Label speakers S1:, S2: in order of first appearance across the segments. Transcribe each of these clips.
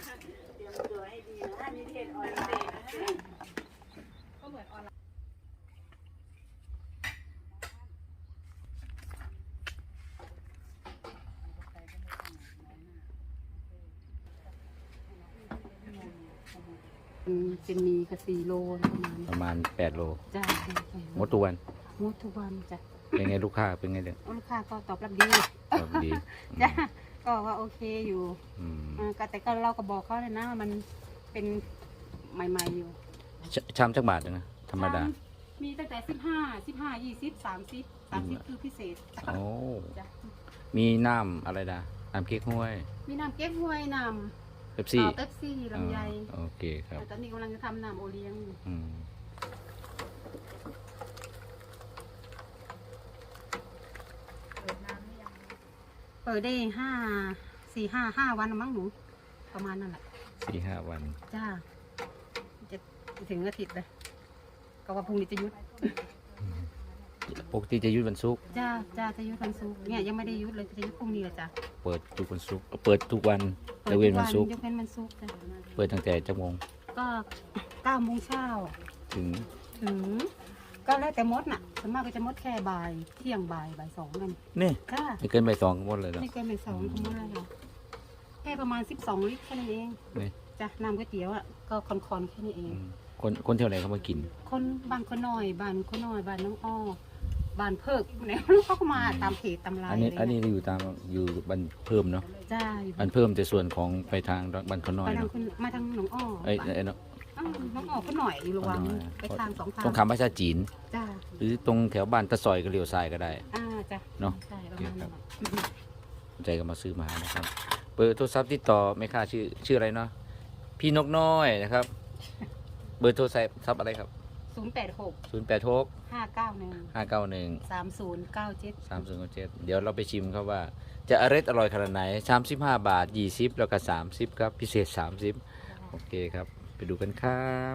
S1: เตรียมตัวให้ดีนะนี่เทศออนไลน์นะก็เหมือนออนไลน์จะมีกระ4 โล
S2: ประมาณ8 โล
S1: จ้า
S2: หมดทุกวัน
S1: หมดทุกวันจ้ะ
S2: เป็นไงลูกค้าเป็นไงเด็ก
S1: ลูกค้าก็ตอบรับดี
S2: ดี
S1: จ้ะก็ว่าโอเคอยู่แต่ก็เราก็บอกเขาเลยนะมันเป็นใหม่ๆอยู่
S2: ชามจักบาทนะธรรมดา
S1: มีตั้งแต่15 20 30คือพิเศษ
S2: โอ้มีน้ำอะไรนะน้ำเก๊กฮวย
S1: มีน้ำเก๊กฮวยน้ำ
S2: เป๊ปซี่
S1: ลำไย
S2: โอเคครับ
S1: ตอนนี้กำลังจะทำน้ำโอเลี้ยงเปิดได้5 วันมั้งหนูประมาณนั่นแหละ
S2: 4-5 วัน
S1: จ้าจะถึงอาทิตย์เลยก็ว่าพรุ่งนี้จะยุด
S2: ปกติจะยุดวันศุกร์
S1: จ้าจะยุดวันศุกร์เนี่ยยังไม่ได้ยุดเลยจะยุดพรุ่งนี้เลยจ้ะ
S2: เปิดทุกวันศุกร์เปิดทุกวันยกเว้นวันศุกร์
S1: ยกเว้นวันศุกร์จ้ะ
S2: เปิดตั้งแต่จักโมง
S1: ก็9 โมงเช้า
S2: ถึง
S1: ก็แล้วแต่มดน่ะส่วนมากก็จะมดแค่บ่ายเที่ยงบ่าย2กัน
S2: นี่ไม่เกินบ่าย2ก็หมดเลย
S1: ไม่เกินบ่าย2ก็หมดเลยค่ะแค่ประมาณ12 ลิตรแค่นั้นเองจ้ะน้ำก๋วยเตี๋ยวอ่ะก็คอนแค่นี้เอง
S2: คนเท่าไหร่เขามากิน
S1: คนบ้านคนน้อยบ้านน้องอ้อบ้านเพิกเนี่ยเขาก็มาตามเพจตามไลน์
S2: อันนี้อยู่บ้านเพิ่มเนาะ
S1: จ้า
S2: บ้านเพิ่มแต่ส่วนของไปทางบ้านคนน้อยเนาะ
S1: มาทางน้องอ้อ
S2: เนาะ
S1: น้องอ้อก็หน่อยอยู่ระวังไปทาง2 ทาง
S2: ตรงคำภาษาจีน
S1: จ้า
S2: หรือตรงแถวบ้านตะซอยก็เลี้ยวซ้ายก็ได้
S1: จ้ะ
S2: เนาะ
S1: ใช่ประมาณนั้น
S2: ใจก็มาซื้อมานะครับเบอร์โทรศัพท์ติดต่อไม่ค่าชื่ออะไรเนาะพี่นกน้อยนะครับเบอร์โทรศัพท์อะไรครับ
S1: 086 591 3097
S2: เดี๋ยวเราไปชิมครับว่าจะอร่อยขนาดไหน35 บาท20แล้วก็30ครับพิเศษ30โอเคครับไปดูกันครับ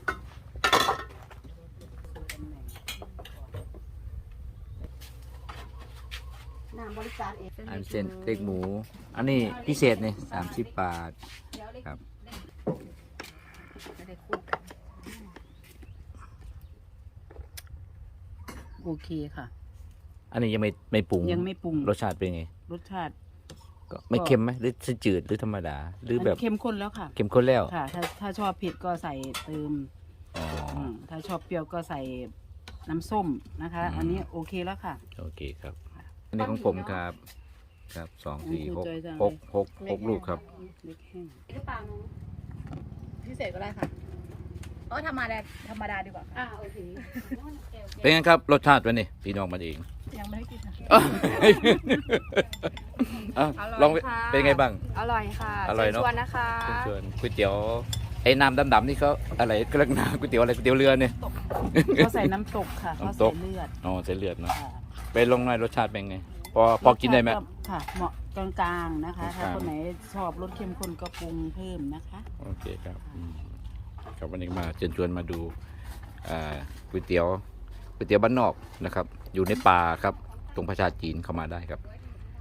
S2: อันเส้นเล็กหมูอันนี้พิเศษเนี่ย30 บาทครับ
S1: โอเคค่ะ
S2: อันนี้ยังไม่ปรุงรสชาติเป็นไง
S1: รสชาติ
S2: ก็ไม่เค็มไหมหรือจืดหรือธรรมดาหรือแบบ
S1: เข้มข้นแล้วค่ะ
S2: เข้มข้นแล้ว
S1: ค่ะถ้าชอบเผ็ดก็ใส่เติมถ้าชอบเปรี้ยวก็ใส่น้ำส้มนะคะอันนี้โอเคแล้วค่ะ
S2: โอเคครับอันนี้ของผมครับ2 4 6 ลูกครับ
S1: พิเศษก็ได้ค่ะธรรมดาดีกว่าโอเค
S2: เป็นไงครับรสชาติวันนี้พี่น้องมันเอง
S1: ยังไม่ได้กิน
S2: ลองเป็นไงบ้าง
S1: อร่อยค่ะ
S2: อร่อยเนาะ
S1: ชวนนะคะ
S2: ชวนก๋วยเตี๋ยวไอ้น้ำดำๆนี่เขาอะไรก็เรียกน้ำก๋วยเตี๋ยวอะไรก๋วยเตี๋ยวเรือเนี่ย
S1: เขาใส่น้ำตกค่ะเขาใส่เลือด
S2: ใส่เลือดเนาะไปลงหน่อยรสชาติเป็นไงพอกินได้ไหม
S1: ค่ะเหมาะกลางๆนะคะถ้าคนไหนชอบรสเข้มข้นก็ปรุงเพิ่มนะคะ
S2: โอเคครับวันนี้มาเชิญชวนมาดูก๋วยเตี๋ยวบ้านนอกนะครับอยู่ในป่าครับตรงประชาจีนเข้ามาได้ครับ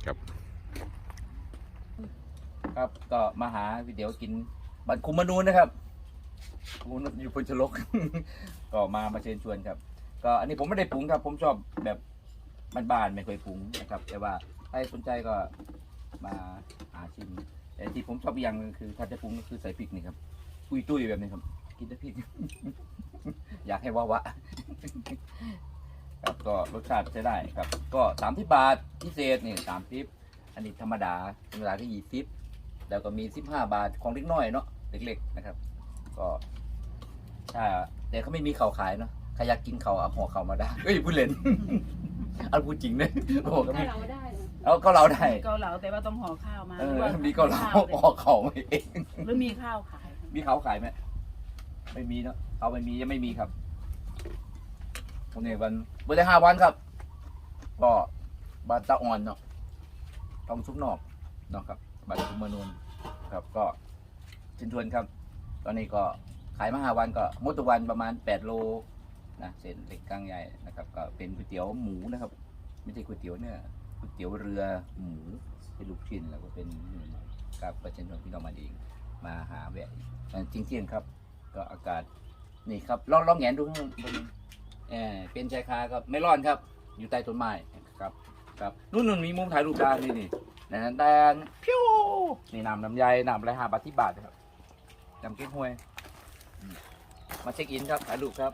S2: ก็มาหาก๋วยเตี๋ยวกินบ้านคุมนูนนะครับอยู่พนชลก ก็มาเชิญชวนครับก็อันนี้ผมไม่ได้ปรุงครับผมชอบแบบบ้านๆไม่เคยปรุงนะครับแต่ว่าใครสนใจก็มาหาชิมแต่ที่ผมชอบอย่างนึงคือถ้าจะปรุงก็คือใส่พริกนี่ครับตุ้ยแบบนี้ครับกินได้พริก อยากให้วะครับก็รสชาติใช้ได้ครับก็30 บาทพิเศษนี่30อันนี้ธรรมดาที่20แล้วก็มี15 บาทของเล็กน้อยเนาะเล็กๆนะครับก็แต่เขาไม่มีข่าวขายเนาะใครอยากกินข่าวเอาห่อข่าวมาได้พูดเล่น เอาพูดจริงเลยโอ้ก็มีก็เราได้
S1: เกาเหลาแต่ว่าต้องห่อข้าวมา
S2: มีเกาเหลาห่อข่าวมาเอง
S1: หรือมีข้าวขาย
S2: มีข้าวขายไหมไม่มีเนาะเอาไม่มียังไม่มีครับวันนี้วันเมื่อได้5 วันครับก็บ้านตะอ่อนเนาะทองซุกนอกเนาะครับบ้านคุมนูนครับก็ชินทวนครับตอนนี้ก็ขายมา5 วันก็หมดทุกวันประมาณ8 โลนะเส้นเล็กกลางใหญ่นะครับก็เป็นก๋วยเตี๋ยวหมูนะครับไม่ใช่ก๋วยเตี๋ยวเนื้อก๋วยเตี๋ยวเรือหมูเป็นลูกชิ้นแล้วก็เป็นกับประชาชนพี่น้องมาเองมาหาแวะจริงๆครับ ก็อากาศนี่ครับลองแหงนดูข้างบนเป็นชายคาก็ไม่ร้อนครับ อยู่ใต้ต้นไม้ครับครับนู่นมีมุมถ่ายรูปได้นี่นะแดงพิ้วนี่น้ำลำไยน้ำอะไร5 บาท10 บาทนะครับจำเก๊กฮวยมาเช็คอินครับถ่ายรูปครับ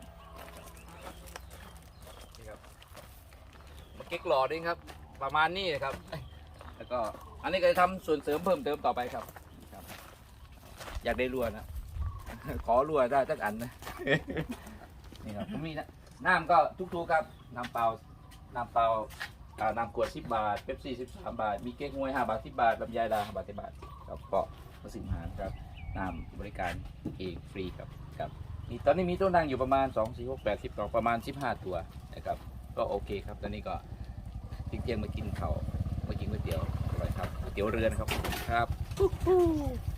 S2: นี่ครับมาเก๊กหล่อด้วยครับ ประมาณนี้นะครับแล้วก็อันนี้ก็จะทำส่วนเสริมเพิ่มเติมต่อไปครับ อยากได้รัวนะ ขอรัวได้สักอันนะ นี่ครับผมมีนะน้ำก็ทุกๆครับน้ำเปล่าน้ำขวด10 บาทเป๊ปซี่13 บาทมีเก๊กฮวย5 บาท10 บาทลำไยดา5 บาท10 บาทครับก็มาสิบหารครับน้ำบริการเองฟรีครับนี่ตอนนี้มีตัวนั่งอยู่ประมาณ2 4 6 8 10ต่อประมาณ15 ตัวนะครับก็โอเคครับตอนนี้ก็เที่ยงมากินข้าวมากินก๋วยเตี๋ยวอร่อยครับก๋วยเตี๋ยวเรือนครับครับ